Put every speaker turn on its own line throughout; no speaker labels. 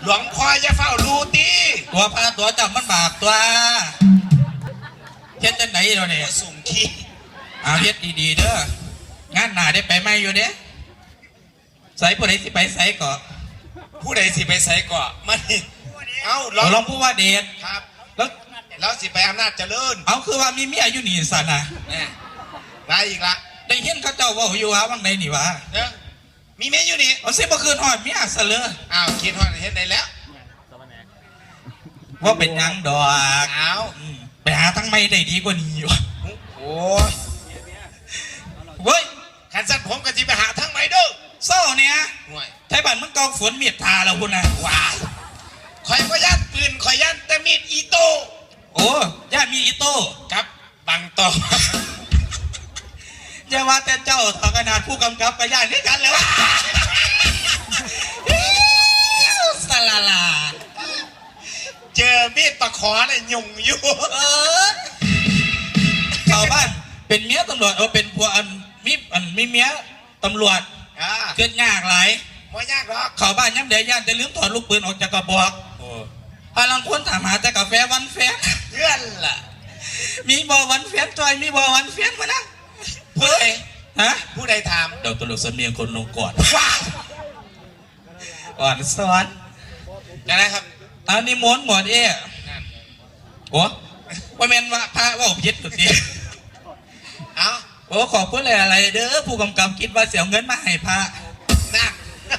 ลวงพ่อจะเฝ้ารูตี
ตัวพาตัวจับมันบาปตัวเฮ็ดจังไหนเราเนี่ย
สุ่มขี้
เอาเฮ็ดดีๆเด้องานหน้าได้ไปไหมอยู่เด้ใส่ผู้ใดสิไปใส่ก่อ
ผู้ใดสิไปใส่ก่อมันเอา
ลองพูดว่าเดช
ครับ
แล้ว
สิไปอำนาจเจริญ
เอาคือว่ามีเมียอยู่นี่สันนะ
ไรอีกละ
ได้เห็นเขาเจ้าว่าอยู่ว่าว่างใดนี่วะ
มีเมียอยู่นี่
เอาเสียบ่คืนหอดเมียซะเลย
อ้าวคิดว่าเห็นได้แล้ว
ว่าเป็นยังดอก
เอา
ไปหาทั้งไม่ได้ดีกว่านี้วะ
โอ้
เว้ย
ขันสัตว์ผมก็จะไปหาทั้งไม่เด้อ
โซ่เนี่ยไทยบ้านมึงกองฝนเมียดทาแล้วคุณนะ
ว้าคอยก็ยัดปืนคอยยัดแต่มีดอีโต้
โอ้ย่ามีอีโต้
ครับบังต่อ
อย่าว่าแต่เจ้าต่อขนาดผู้กำกับก็ย่านด้วยกันแล้วสลาลา
เจอมีดปะขอเนี่ยยุ่งอยู่
ชาวบ้านเป็นเมียตำรวจเป็นผัวมีเมียตำรวจเกิดยากหลาย
ไม่ยากหรอก
ชาวบ้านย้ำเดียย่านจะลืมถอดลูกปืนออกจากกระบอกพลังคนถามหาแต่กาแฟวันแฟน
เพื่อนล่ะ
มีบอวันแฟนจอยมีบอวันแฟนมานะ
ผู้ใด
ฮะ
ผู้ใดถาม
เดี๋ยวตลกเสมียงคนลงก่อนก่อนสอน
นะครับ
อันนี้ม้วนหมดโอ้ว่าเมนว่าพระว่าอบยึดตัวนี้
เอา
โอ้ขอบคุณอะไรเด้อผู้กำกับคิดว่าเสียเงินมาให้พระ
นะ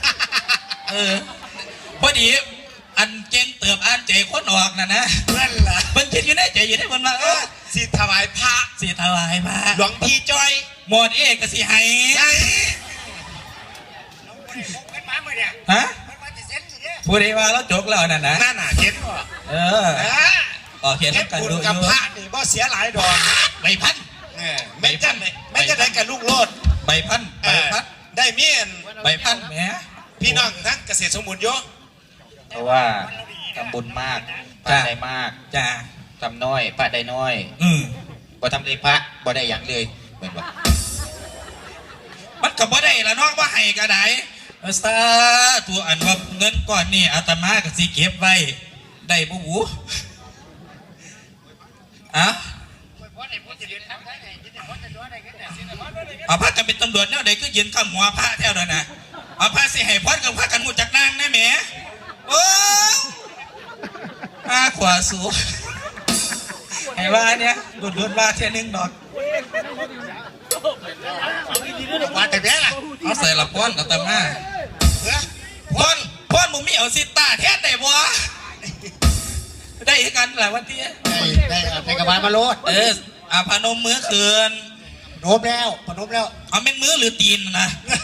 พอดีอันเก่งเติบอ่านใจคนออกนะ
เพื่อนล่ะ
เพิ่งคิดอยู่ในใจอยู่ได้มันว่า
สิถวายพระ
สิถวายพระ
หลวงพี่จ้อย
หมดก็สิให้ฮะผู้ใดว่าเราจกแล้วนั่น
น่ะเห็น
เห็น
กันดูกับพระนี่บ่เสียหลายดอก
ใบพัน
ไม่จะได้กับลูกโลด
ใบพัน
ได้เมียน
ใบพันแหม
พี่น้องทั้งเกษตรสมบูรณ์เยอะ
เพราะว่าทำบุญมากพระได้มาก
จ้า
ทำน้อยพระได้น้อยบ่ทำเลยพระบ่ได้อย่างเลยเหมือนว่า
มันก็บ่ได้ละน้องว่าให้ก็ได้ซาตัวอันว่าเงินก้อนนี่อาตมาก็สิเก็บไว้ได้บ่หูเอาพระกันเป็นตำรวจเนี่ยเด็กก็ยืนข้ามหัวพระแถวนั้นนะเอาพระสิให้พรกับพระกันหูจักนางนะแหมโอ้ขวาสูไอ้ว่าเนี่ยดุดว่าเท่นึงดอก
ว่าแต่เนี้ยล่ะ
เอาใส่ละป้อนกับตามาป้อนมึงมีเอาซิต้าแท้แต่บัวได้กันหลายวันที่
ได้กระบาลมาโลด
พนมมือคืน
พนมแล้ว
เอาเป็นมือหรือตีนนะ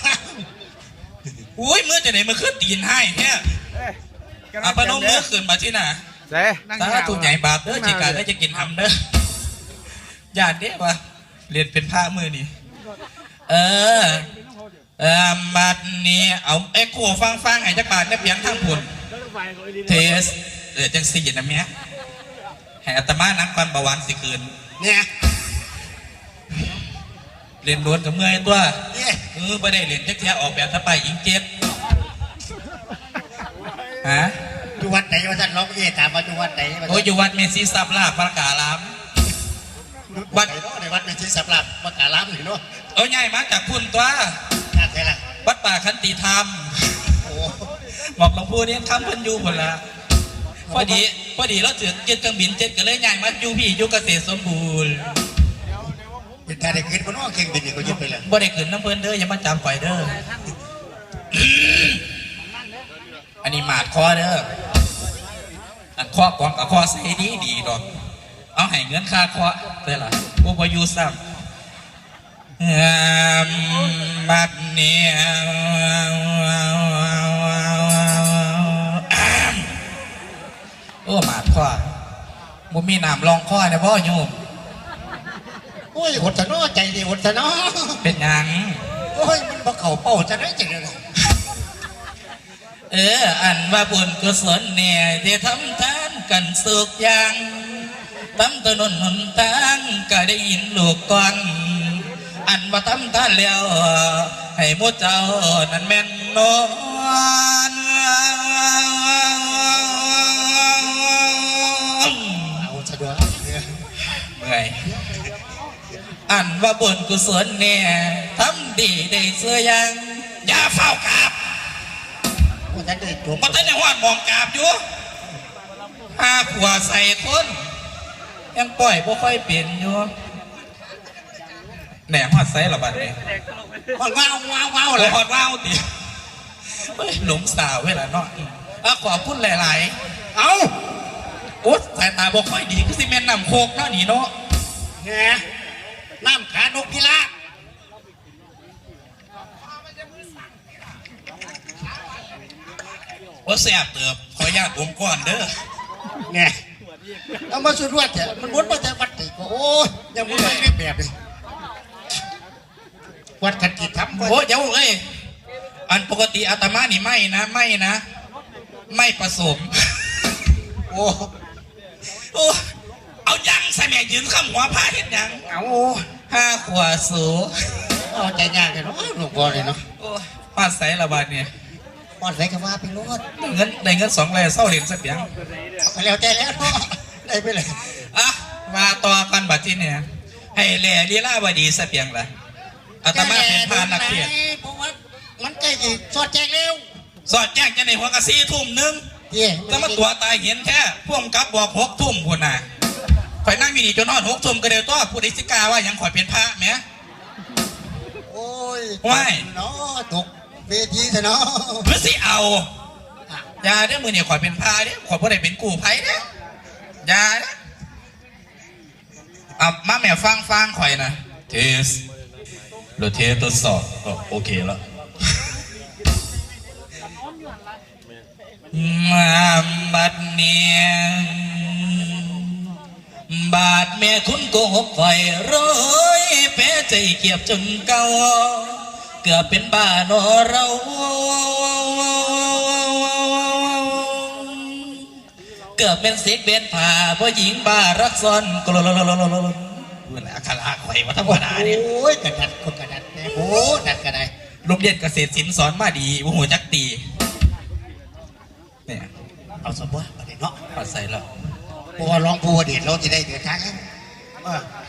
อุ้ยมือจะไหนมือขึ้นตีนให้เนี่ยพนมมือคืนมาที่ไหนถ้าถูกใหญ่บาปเด้อจีการได้จะกินทำเด้อญาติเนี่ยปะเรียนเป็นผ้ามือนี่บัดนี้เอาเอ็กโคฟังให้จักบาทได้เพียงทั้งผลเทสจังสี่นะเมียให้อัตมานักความประวันสิคืน
เนี่ย
เรียนล้วนกับเมื่อยตัวไม่ได้เรียนจักเทียออกแบบถ้าไปอิงเจ็บ
อยู่วัดไหนวัดจันทร์ร้องเย่ถามว่าอยู่วัดไหน
โอ้อยู่วัดเมซิซับลาประกาลาม
วัดในวัดเมซิซับลาประกาลามหรือเนาะ
ใหญ่มาจากพุ่นตัววัดป่าขันติธรรมบอกหลวงปู่เนี่ยทำพันยูผลละพอดีเราถึงเจ็ดเครื่องบิน7กันเลยใหญ่มาอยู่พี่อยู่เกษตรสมบูรณ์
เป็นแต่ได้ขึ้นบนว่าเครื่องบินนี่ก็ยึดไปเลย
บ่ได้ขึ้นน้ำเพลินเด้ออย่ามาจับไฟเด้ออันนี้หมาดคอเด้ออันคอกองกับคอใส่ดีดอกเอาให้เงินค่าคอได้หรอกูพออยู่ซ้ำบัดนี้โอ้หมาดคอมุมีน้ำรองคอเนี่ยพ่อโยม
โอ้ยหดสนอใจดีหดสนอ
เป็นยัง
โอ้ยมันบ่เข่าเป้าจะได้จริงเลย
อันว่าบุญกุศลเนี่ยที่ทำทานกันสุกยังทำถนนหนทางก็ได้ยินลูกก่อนอันว่าทำทานแล้วให้มุเจ้านั้นแม่นนอนอันว่าบุญกุศลเนี่ยทำดีได้เสื้อยังอย่าเฝ้ากราบ
ว่าจะได้จบ
มาตั้งแต่หอดมองกราบอยู่ห้าขวใส่คนยังปล่อยบ่ค่อยเปลี่ยนอยู่แหน่หอดใส่ละบัดนี้
ว้าวว้าว
เล
เลย ย
หอดว้าวติเฮ้ยหลงสาวเวลาเนาะขอพูดหลายๆ
เอา
โอ๊ยสายตาบ่ค่อยดีคือสิแม่นนำโคกเนาะนี่เนาะ
แหน่น้ำขานกพิราบ
ว่าแสบเติบขออนุญาตอมก่อนเด้อ
เนี่ยเอามาสุดว่าเถอะมันวนมาแต่วัดติโอ้ยยังมุ่งไม่แบบเลยวัดขันกิจทำ
โอ้เดี๋ยวเอ้ยอันปกติอาตมานี่ไม่นะไม่ผสม
โอ้
โอ้เอายังใส่แม่ยืนข้ามหัวผ้าเห็นยัง
เอา
ห้าขวาสู
เอาใจยากเลยเนาะหลวงพ่อเลยเนาะ
โอ้ฟาดใส่ละบาดเนี่ย
ปอดใส่กระว่าไปรถ
ได้เงิน2เลยเศร้าเหรียญสักอย่าง
ไปแล้วใจแล้วเนาะได้ไปเลย
อ่ะมาต่อกันบัดที่เนี่ยให้แหล่ลีลาบดีสักอย่างละอาตมาเป็นพานักเทียน
เพราะว่ามันใกล้จะสอดแจงเร็ว
สอดแจ้งจะในหัวกะ4 ทุ่มนึง
เย่
จะมาตัวตายเห็นแค่พ่วงกับบอก6 ทุ่มคนน่ะข่อยนั่งอยู่นี่จนนอน6 ทุ่มก็เดียวตัวผู้ใดสิกาว่ายังข่อยเป็นพระแหม
โอ้ย
ว้าย
เนาะตกเวทีซะเนาะ
เพื่อสิเอาอย่าได้อมือเนี่ยข่อยเป็นพระเนี่ยข่อยผู้ใดเป็นกู่ไผ่เนี่ยอย่าเด้อเอามาแม่ฟังข่อยนะเทสโดยเทสทดสอบก็โอเคแล้วมาบัดเนียบาดแม่คุณโกหกไฟร้อยแพ้ใจเกียบจนเก่าเกือบเป็นบ้านอเราเกือบเป็นเสกเบนผ่าเพราะหญิงบ้ารักซ้อนกลลเวลาคาราไข่มาธรรมดาเนี่ย
โอ้ยกระดัดคนกระดัดแน่โอ้ดัดกระได
โรงเรียนเกษตรศิลป์สอนมาดีโอ้โหจักตีเนี่ย
เอาสมบูรณ์ประเด็นเนาะ
ปัดใส่แล้ว
เพราะว่าร้องผู้ว่าเด็ดเราจะได้เดือดทางเออ